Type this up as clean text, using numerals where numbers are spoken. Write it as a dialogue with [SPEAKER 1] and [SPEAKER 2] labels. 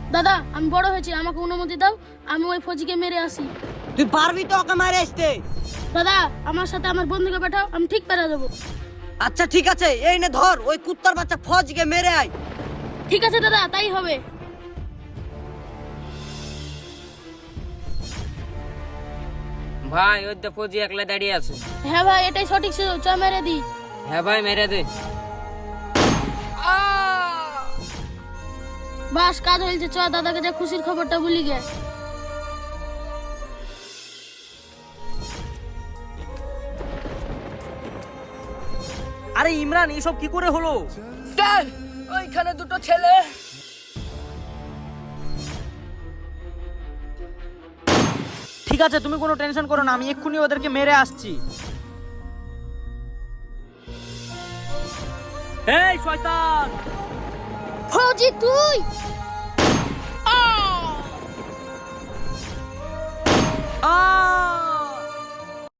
[SPEAKER 1] দাদা আমি বড় হয়েছি, আমাকে অনুমতি দাও, আমি ওই ফৌজিকে মেরে আসি।
[SPEAKER 2] তুই পারবি তো ওকে মারে আসতে?
[SPEAKER 1] দাদা আমার সাথে আমার বন্ধুকে পাঠাও, আমি ঠিক পেরে দেবো।
[SPEAKER 2] আচ্ছা ঠিক আছে, এই নে ধর, ওই কুত্তার বাচ্চা ফৌজিকে মেরে আয়।
[SPEAKER 1] ঠিক আছে দাদা, তাই হবে।
[SPEAKER 3] ভাই ওই তো ফৌজি একলা দাঁড়িয়ে আছে।
[SPEAKER 1] হ্যাঁ ভাই, এটাই সঠিক ছিল, চ মেরে দি।
[SPEAKER 3] হ্যাঁ ভাই মেরে দে।
[SPEAKER 1] বাস কাজ হয়েছে, চ দাদাকে যা খুশির খবরটা বলি গে।
[SPEAKER 4] আরে ইমরান, এইসব কি করে হলো?
[SPEAKER 2] স্যার, ওইখানে দুটো ছেলে।
[SPEAKER 4] ঠিক আছে, তুমি কোনো টেনশন করো না, আমি এক্ষুনি ওদেরকে মেরে আসছি। এই শয়তান!
[SPEAKER 1] ফৌজি তুই?